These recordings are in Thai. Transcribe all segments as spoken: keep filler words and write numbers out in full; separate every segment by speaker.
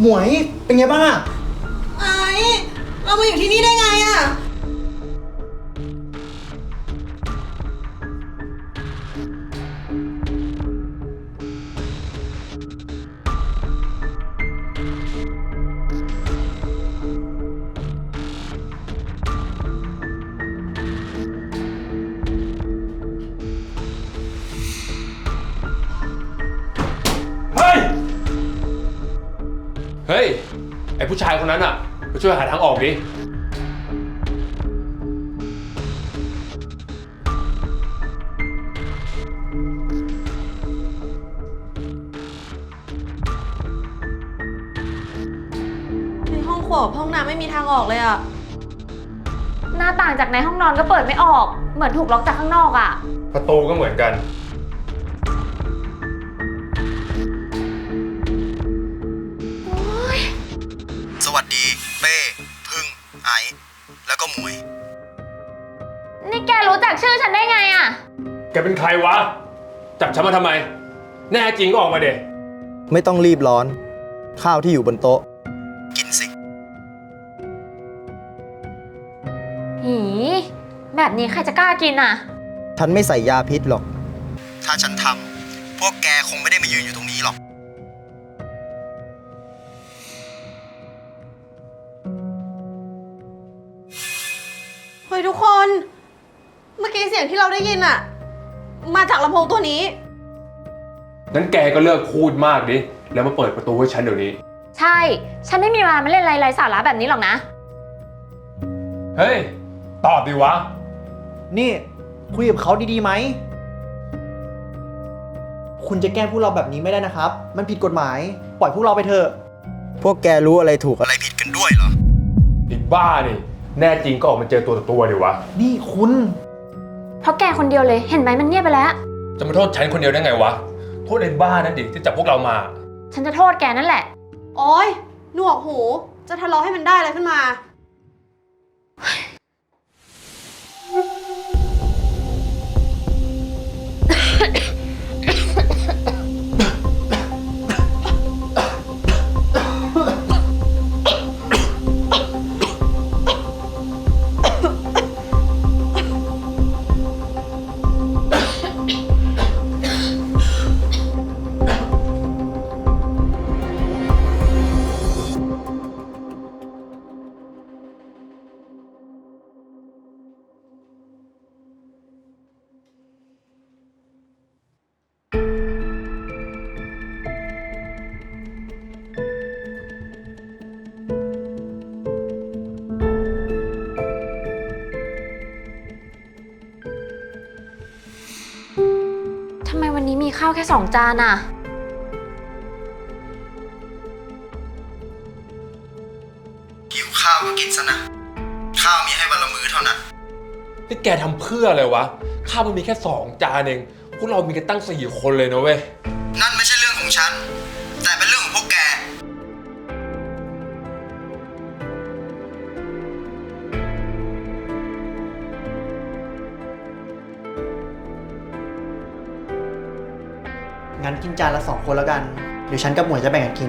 Speaker 1: หมวยเป็นไงบ้างอะ
Speaker 2: ไอ้เรามาอยู่ที่นี่ได้ไงอะ
Speaker 3: เฮ้ย เฮ้ย ไอผู้ชายคนนั้นอ่ะไปช่วยหาทางออกดิ
Speaker 2: ในห้องครัวกับห้องน้ำไม่มีทางออกเลยอะ
Speaker 4: หน้าต่างจากในห้องนอนก็เปิดไม่ออก เหมือนถูกล็อกจากข้างนอกอ่ะ
Speaker 3: ประตูก็เหมือนกัน
Speaker 1: สวัสดีเป้พึ่งไอแล้วก็หมวย
Speaker 4: นี่แกรู้จักชื่อฉันได้ไงอ่ะ
Speaker 3: แกเป็นใครวะ จับฉันมาทำไม แน่จริงก็ออกมาเด็
Speaker 1: ไม่ต้องรีบร้อน ข้าวที่อยู่บนโต๊ะ กินสิ
Speaker 4: หี แบบนี้ใครจะกล้ากินอ่ะ
Speaker 1: ฉันไม่ใส่ยาพิษหรอก ถ้าฉันทำพวกแกคงไม่ได้มายืนอยู่ตรงนี้หรอก
Speaker 2: เฮ้ยทุกคน เมื่อกี้เสียงที่เราได้ยินอะมาจากลำโพงตัวนี้
Speaker 3: งั้นแกก็เลิกพูดมากดิ แล้วมาเปิดประตูให้ฉันเดี๋ยวนี้
Speaker 4: ใช่ ฉันไม่มีเวลามาเล่นไรๆสาระแบบนี้หรอกนะ
Speaker 3: เฮ้ย ตอบดิวะ
Speaker 1: นี่คุยกับเขาดีๆไหม คุณจะแกล้งพวกเราแบบนี้ไม่ได้นะครับ มันผิดกฎหมาย ปล่อยพวกเราไปเถอะ พวกแกรู้อะไรถูกอะไรผิดกันด้วยเหรอ
Speaker 3: อีกบ้านี่ แน่จริงก็ออกมาเจอตัวต่อตัวดิวะ
Speaker 1: นี่คุณ
Speaker 4: เพราะแกคนเดียวเลย เห็นไหมมันเงียบไปแล้ว
Speaker 3: จะมาโทษฉันคนเดียวได้ไงวะ โทษไอ้บ้านั่นดิที่จับพวกเรามา
Speaker 4: ฉันจะโทษแกนั่นแหละ
Speaker 2: โอ๊ยหนวกหู จะทะเลาะให้มันได้อะไรขึ้นมา
Speaker 4: ทำไมวันนี้มีข้าวแค่สองจานอ่ะ
Speaker 1: หิวข้าวก็กินซะนะ ข้าวมีให้วันละมื้อเท่านั้น
Speaker 3: นี่แกทำเพื่ออะไรวะ ข้าวมันมีแค่สองจานเอง พวกเรามีกันตั้งสี่คนเลยนะเว้ย
Speaker 1: นั่นไม่ใช่เรื่องของฉัน แต่เป็นเรื่องของพวกแก งั้นกินจานละสองคนแล้วกัน เดี๋ยวฉันกับหมวยจะแบ่งกันกิน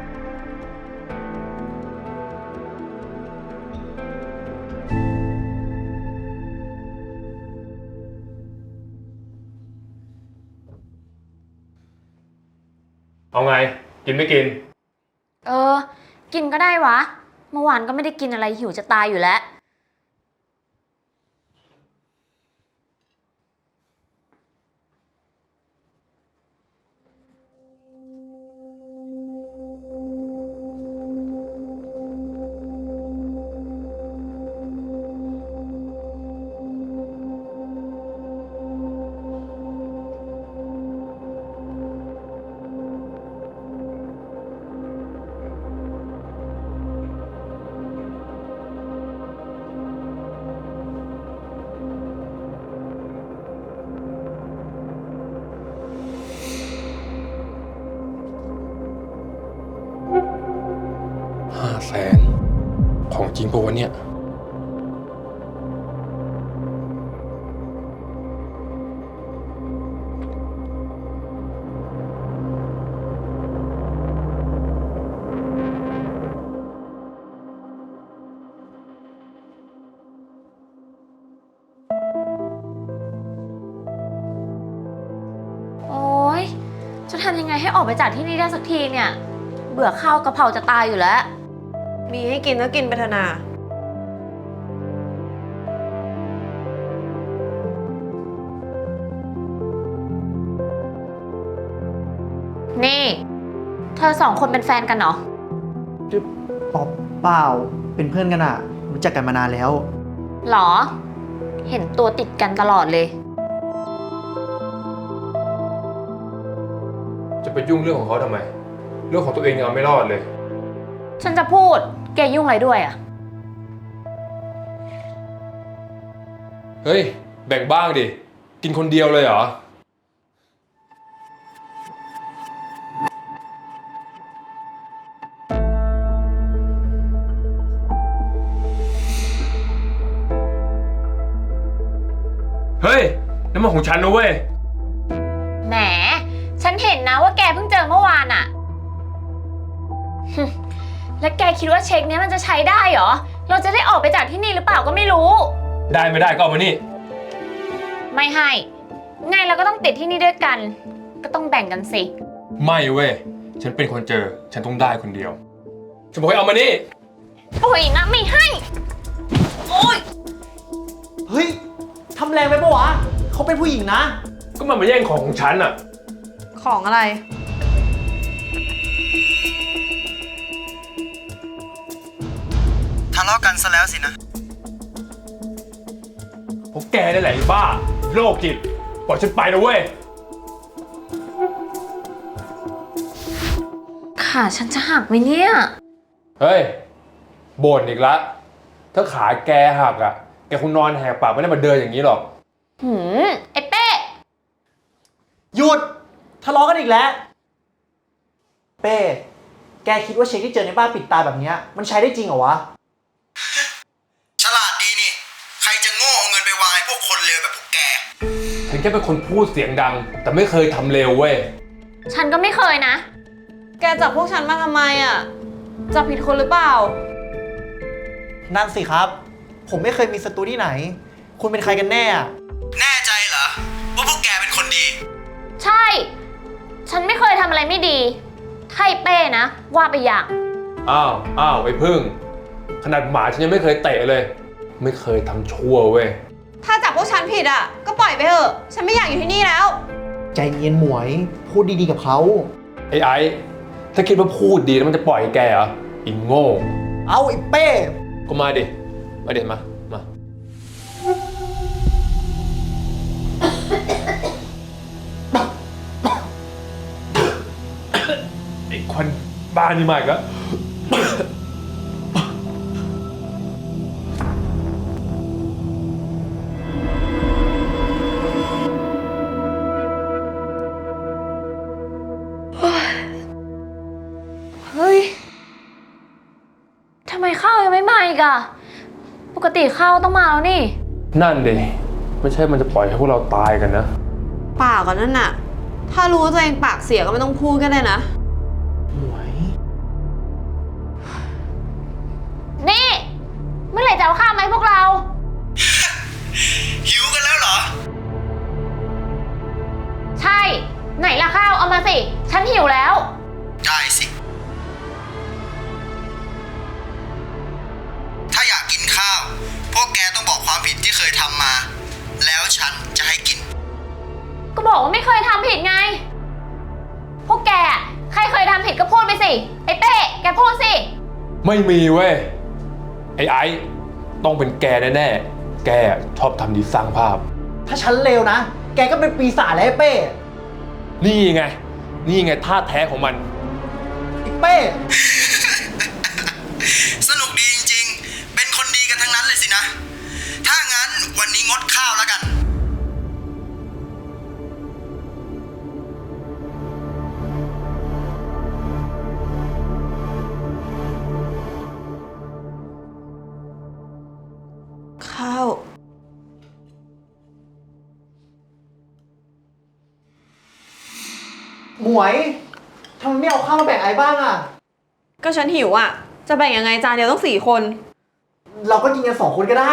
Speaker 3: เอาไง กินไม่กิน
Speaker 4: เออ กินก็ได้วะ เมื่อวานก็ไม่ได้กินอะไรหิวจะตายอยู่แล้ว
Speaker 3: ห้าแสน ของจริงปะวะเนี่ย
Speaker 4: จะทำยังไงให้ออกไปจากที่นี่ได้สักทีเนี่ย เบื่อข้าวกะเพราจะตายอยู่แล้ว
Speaker 2: มีให้กินก็กินไปเถอะนา
Speaker 4: นี่ เธอสองคนเป็นแฟนกันเหรอ
Speaker 1: จะปอบเปล่า เป็นเพื่อนกันอะรู้จักกันมานานแล้ว
Speaker 4: หรอ เห็นตัวติดกันตลอดเลย
Speaker 3: จะไปยุ่งเรื่องของเขาทำไม เรื่องของตัวเองยังเอาไม่รอดเลย
Speaker 4: ฉันจะพูด แกยุ่งอะไรด้วยอะ
Speaker 3: เฮ้ย แบ่งบ้างดิ กินคนเดียวเลยเหรอ เฮ้ยน้ำมันของฉันนะเว้ย
Speaker 4: แหม ฉันเห็นนะว่าแกเพิ่งเจอเมื่อวานอะฮึแล้วแกคิดว่าเช็คเนี้ยมันจะใช้ได้เหรอ เราจะได้ออกไปจากที่นี่หรือเปล่าก็ไม่รู้
Speaker 3: ได้ไม่ได้ก็เอามานี่
Speaker 4: ไม่ให้ ไงเราก็ต้องติดที่นี่ด้วยกัน ก็ต้องแบ่งกันสิ
Speaker 3: ไม่เว้ย ฉันเป็นคนเจอ ฉันต้องได้คนเดียว ฉันบอกให้เอามานี่
Speaker 4: โอ้ยนะไม่ให้ โอ้ย
Speaker 1: เฮ้ย ทำแรงไปปะวะ เขาเป็นผู้หญิงนะ
Speaker 3: ก็มันมาแย่งของของฉันอะ
Speaker 2: ของอะไร
Speaker 1: ทะเลาะกันซะแล้วสินะ
Speaker 3: พวกแกได้แหละไอ้บ้า โรคจิตปล่อยฉันไปนะเว้ย
Speaker 4: ขาฉันจะหักไหมเนี่ย
Speaker 3: เฮ้ย บ่นอีกละ ถ้าขาแกหักอะแกคงนอนแหกปากไม่ได้มาเดินอย่างนี้หรอก
Speaker 4: หืม ไอ้เป้
Speaker 1: หยุด ทะเลาะกันอีกแล้ว เป้ แกคิดว่าเช็คที่เจอในบ้านปิดตาแบบเนี้ยมันใช้ได้จริงเหรอวะ
Speaker 5: ฉลาดดีนี่ ใครจะโง่เอาเงินไปวางให้พวกคนเลวแบบพวกแก
Speaker 3: ฉันแค่เป็นคนพูดเสียงดัง แต่ไม่เคยทำเลวเว้ย
Speaker 4: ฉันก็ไม่เคยนะ
Speaker 2: แกจับพวกฉันมาทำไมอ่ะ จับผิดคนหรือเปล่า
Speaker 1: นั่นสิครับ ผมไม่เคยมีศัตรูที่ไหน คุณเป็นใครกันแน่อะ
Speaker 5: แน่ใจเหรอ ว่าพวกแกเป็นคนดี
Speaker 4: ใช่ ฉันไม่เคยทำอะไรไม่ดีถ้าไอ้เป้นะ ว่าไปอย่าง
Speaker 3: อ้าว อ้าว ไอ้พึ่ง ขนาดหมาฉันยังไม่เคยเตะเลย ไม่เคยทำชั่วเว้ย
Speaker 2: ถ้าจับพวกฉันผิดอ่ะ ก็ปล่อยไปเถอะ ฉันไม่อยากอยู่ที่นี่แล้ว
Speaker 1: ใจเย็นหมวย พูดดีๆกับเขา
Speaker 3: ไอ้ไอ้ ถ้าคิดว่าพูดดีแล้วมันจะปล่อยแกเหรออิงโง่
Speaker 1: เอาไอ้เป้
Speaker 3: ก็มาดิ มาเด็ดมา มา ไอ้ควันบ้านี่มากแล้ว
Speaker 4: เฮ้ย ทำไมข้าวยังไม่มาอีกอะปกติข้าวต้องมาแล้วนี่
Speaker 3: นั่นดิ ไม่ใช่มันจะปล่อยให้พวกเราตายกันนะ
Speaker 2: ปากก่อนนั่นน่ะ ถ้ารู้ว่าตัวเองปากเสียก็ไม่ต้องพูดก็ได้นะ
Speaker 1: หมวย
Speaker 4: นี่ เมื่อไหร่จะเอาข้าวมาให้พวกเรา
Speaker 5: หิวกันแล้วเหรอ
Speaker 4: ใช่ ไหนล่ะข้าวเอามาสิ ฉันหิวแล้ว
Speaker 5: ได้สิ ถ้าอยากกินข้าว พวกแกต้องบอกความผิดที่เคยทำมา แล้วฉันจะให้กิน
Speaker 4: ก็บอกว่าไม่เคยทำผิดไง พวกแกอะใครเคยทำผิดก็พูดไปสิ ไอ้เป้ แกพูดสิ
Speaker 3: ไม่มีเว้ย ไอ้ไอ้ ต้องเป็นแกแน่ๆ แกชอบทำดีสร้างภาพ
Speaker 1: ถ้าฉันเลวนะ แกก็เป็นปีศาจแล้วไอ้เป้
Speaker 3: นี่ไง นี่ไงท่าแท้ของมัน
Speaker 1: ไอ้เป้
Speaker 5: สนุกดีจริงๆ เป็นคนดีกันทั้งนั้นเลยสินะ ถ้างั้นวันนี้งดข้าวแล้วกัน
Speaker 2: ข้าว
Speaker 1: หมวยทำไมไม่เอาข้าวมาแบ่งไอ้บ้างอะ
Speaker 2: ก็ฉันหิวอ่ะ จะแบ่งยังไงจานเดียวต้องสี่คน
Speaker 1: เราก็กินกันสองคนก็ได้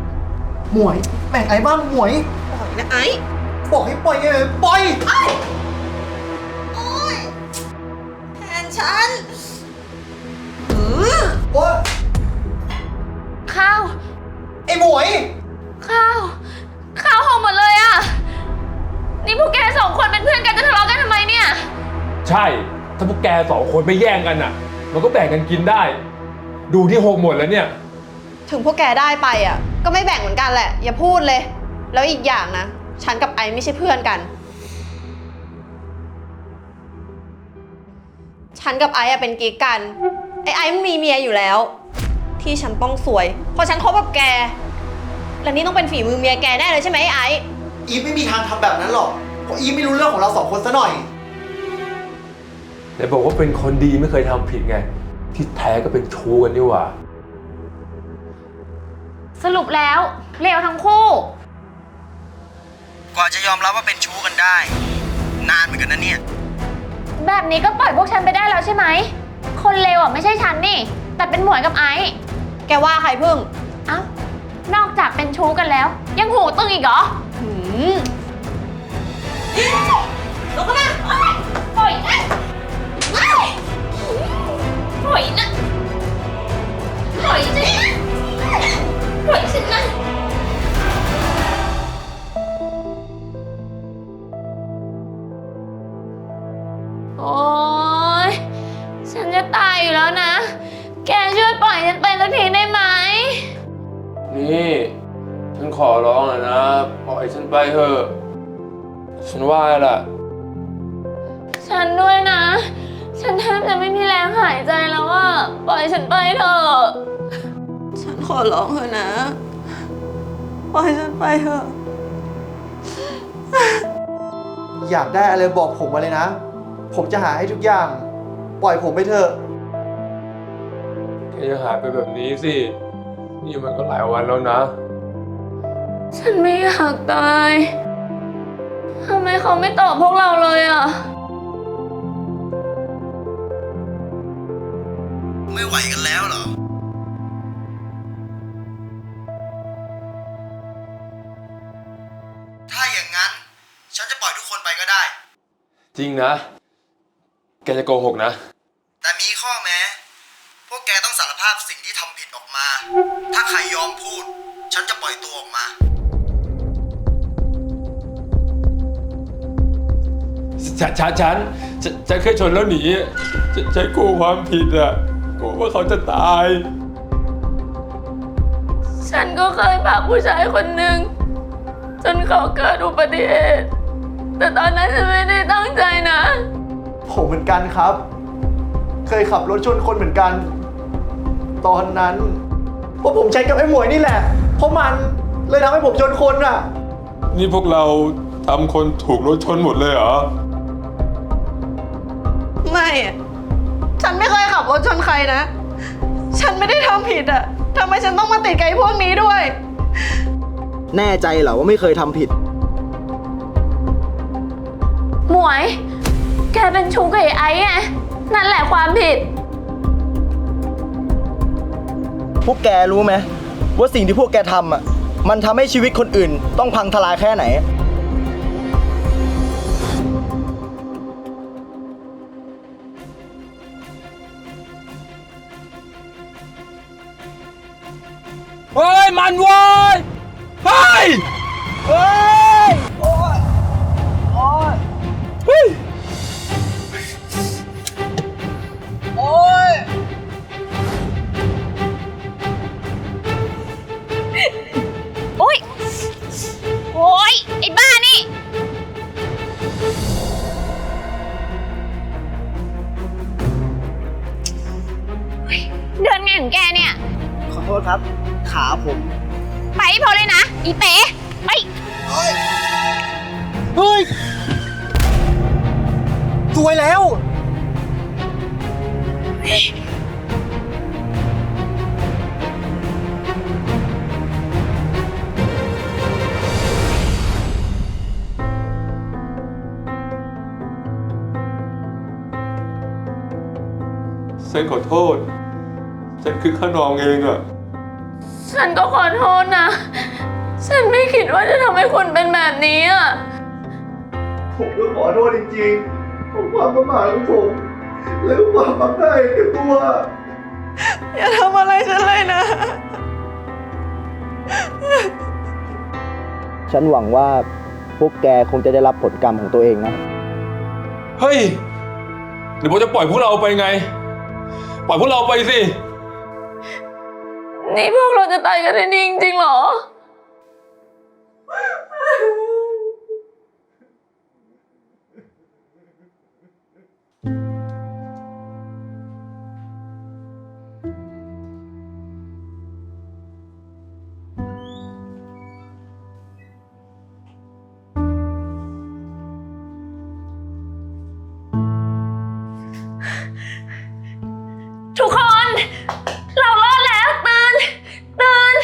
Speaker 1: หมวย แบ่งไอ้บ้างหมวย
Speaker 2: ปล่อยนะไอ้
Speaker 1: บอกให้ปล่อยไงปล่อย
Speaker 2: ไอ้ฉันหือ
Speaker 1: โอ๊ย
Speaker 4: ข้าว
Speaker 1: ไอ้หมวย
Speaker 4: ข้าว ข้าวหอมหมดเลยอะนี่พวกแกสองคนเป็นเพื่อนกันจะทะเลาะกันทำไมเนี่ย
Speaker 3: ใช่ ถ้าพวกแกสองคนไม่แย่งกันอ่ะ มันก็แบ่งกันกินได้ ดูที่หกหมดแล้วเนี่ย
Speaker 2: ถึงพวกแกได้ไปอ่ะ ก็ไม่แบ่งเหมือนกันแหละ อย่าพูดเลย แล้วอีกอย่างนะ ฉันกับไอซ์ไม่ใช่เพื่อนกัน ฉันกับไอซ์อะเป็นกิ๊กกัน ไอไอซ์มันมีเมียอยู่แล้ว ที่ฉันต้องสวย เพราะฉันคบกับแก และนี่ต้องเป็นฝีมือเมียแกแน่เลยใช่ไหมไอไอซ์
Speaker 1: อีฟไม่มีทางทำแบบนั้นหรอก เพราะอีฟไม่รู้เรื่องของเราสองคนซะหน่อย
Speaker 3: แต่บอกว่าเป็นคนดีไม่เคยทำผิดไง ที่แท้ก็เป็นชู้กันนี่หว่า
Speaker 4: สรุปแล้วเลวทั้งคู่
Speaker 5: กว่าจะยอมรับว่าเป็นชู้กันได้ นานเหมือนกันนะเนี่ย
Speaker 4: แบบนี้ก็ปล่อยพวกฉันไปได้แล้วใช่ไหม คนเลวอ่ะไม่ใช่ฉันนี่ แต่เป็นหมวยกับไอซ์
Speaker 2: แกว่าใครพึ่ง
Speaker 4: เอ้า นอกจากเป็นชู้กันแล้ว ยังหูตึงอีกเหรอ
Speaker 2: หืมลุกขึ้นมา
Speaker 4: ปล่อยนะปล่อยนะปล่อยสิปล่อยฉันนะ โอ๊ย ฉันจะตายอยู่แล้วนะ แกช่วยปล่อยฉันไปสักทีได้ไหม
Speaker 3: นี่ ฉันขอร้องอะนะ ปล่อยฉันไปเถอะ ฉันว่าล่ะ
Speaker 4: ฉันด้วยนะ ฉันแทบจะไม่มีแรงหายใจแล้วอะปล่อยฉันไปเถอะ
Speaker 2: ฉันขอร้องเถอะนะ ปล่อยฉันไปเถอะ
Speaker 1: อยากได้อะไรบอกผมมาเลยนะ ผมจะหาให้ทุกอย่าง ปล่อยผมไปเถอะ
Speaker 3: แกจะหายไปแบบนี้สิ นี่มันก็หลายวันแล้วนะ
Speaker 4: ฉันไม่อยากตาย ทำไมเขาไม่ตอบพวกเราเลยอะ
Speaker 5: ไม่ไหวกันแล้วเหรอ ถ้าอย่างนั้น ฉันจะปล่อยทุกคนไปก็ได้
Speaker 3: จริงนะ แกจะโกหกนะ
Speaker 5: แต่มีข้อแม้ พวกแกต้องสารภาพสิ่งที่ทำผิดออกมา ถ้าใครยอมพูด ฉันจะปล่อยตัวออกมา
Speaker 3: ฉันฉันฉันฉันฉันเคยชนแล้วหนีฉันฉันกลัวความผิดอ่ะกลัวว่าเขาจะตาย
Speaker 4: ฉันก็เคยพาผู้ชายคนหนึ่งจนเขาเกิดอุบัติเหตุ แต่ตอนนั้นฉันไม่ได้ตั้งใจนะ
Speaker 1: ผมเหมือนกันครับ เคยขับรถชนคนเหมือนกัน ตอนนั้นเพราะผมใช้กับไอ้หมวยนี่แหละ เพราะมันเลยทำให้ผมชนคนอ่ะ
Speaker 3: นี่พวกเราทำคนถูกรถชนหมดเลยเหรอ
Speaker 2: ไม่อะฉันไม่เคยขับรถชนใครนะ ฉันไม่ได้ทำผิดอะทำไมฉันต้องมาติดกับไอ้พวกนี้ด้วย
Speaker 1: แน่ใจเหรอว่าไม่เคยทำผิด
Speaker 4: หมวย แกเป็นชู้กับไอ้ไอ้ไง นั่นแหละความผิด
Speaker 6: พวกแกรู้ไหมว่าสิ่งที่พวกแกทำอ่ะมันทำให้ชีวิตคนอื่นต้องพังทลายแค่ไหน
Speaker 3: เฮ้ย มันเว้ย เฮ้ย
Speaker 6: เฮ้ย โอ้ยโอ้ย
Speaker 3: เฮ้ย
Speaker 6: โอ้ย
Speaker 4: โอ๊ย โอ๊ย ไอ้บ้านี่ เดินไงของแกเนี่ย
Speaker 6: ขอโทษครับ ขาผม
Speaker 4: ไปให้พอเลยนะ อีเป๋ไป
Speaker 6: เฮ้ย สวยแล้ว
Speaker 3: ฉันขอโทษ ฉันคือข้านองเองอะ
Speaker 4: ฉันก็ขอโทษนะ ฉันไม่คิดว่าจะทำให้คุณเป็นแบบนี้อ่ะ
Speaker 1: ผมก็ขอโทษจริงๆผมความประมาทของผมแล้วความมักได้แก่ตัว
Speaker 2: อย่าทำอะไรฉันเลยนะ
Speaker 6: ฉันหวังว่าพวกแกคงจะได้รับผลกรรมของตัวเองนะ
Speaker 3: เฮ้ยหรือว่าจะปล่อยพวกเราไปไง ปล่อยพวกเราไปสิ
Speaker 4: นี่พวกเราจะตายกันในนี้จริงๆเหรอ ทุกคน เรารอดแล้ว ตื่น ตื่น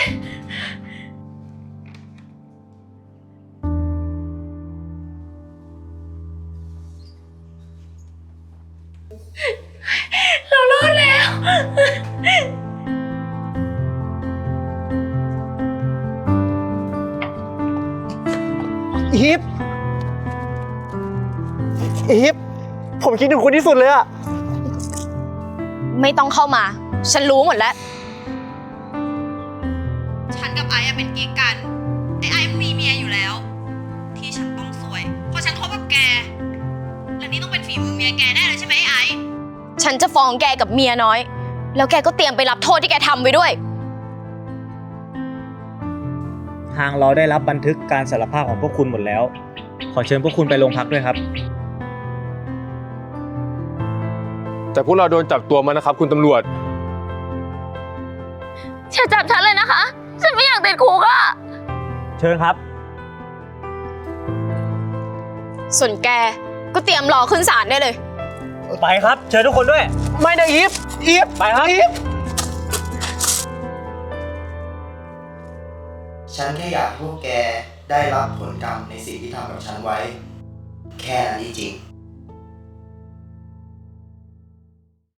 Speaker 4: เรารอดแล้ว
Speaker 1: อีฟอีฟผมคิดถึงคุณที่สุดเลยอะ
Speaker 2: ไม่ต้องเข้ามา ฉันรู้หมดแล้ว ฉันกับไอ้อะเป็นกิ๊กกัน ไอ้ไอ้มันมีเมียอยู่แล้ว ที่ฉันต้องสวย เพราะฉันคบกับแก และนี่ต้องเป็นฝีมือเมียแกแน่เลยใช่ไหมไอ้ไอ้ฉันจะฟ้องแกกับเมียน้อย แล้วแกก็เตรียมไปรับโทษที่แกทำไว้ด้วย
Speaker 7: ทางเราได้รับบันทึกการสารภาพของพวกคุณหมดแล้ว ขอเชิญพวกคุณไปโรงพักด้วยครับ
Speaker 3: แต่พวกเราโดนจับตัวมานะครับคุณตำรวจ
Speaker 4: อย่าจับฉันเลยนะคะ ฉันไม่อยากติดคุกอะ
Speaker 7: เชิญครับ
Speaker 2: ส่วนแกก็เตรียมรอขึ้นศาลได้เลย
Speaker 7: ไปครับ เชิญทุกคนด้วย
Speaker 1: ไม่นะอีฟอีฟ
Speaker 7: ไปครับ
Speaker 1: อีฟ
Speaker 5: ฉันแค่อยากให้พวกแกได้รับผลกรรมในสิ่งที่ทำกับฉันไว้ แค่นั้นจริงๆ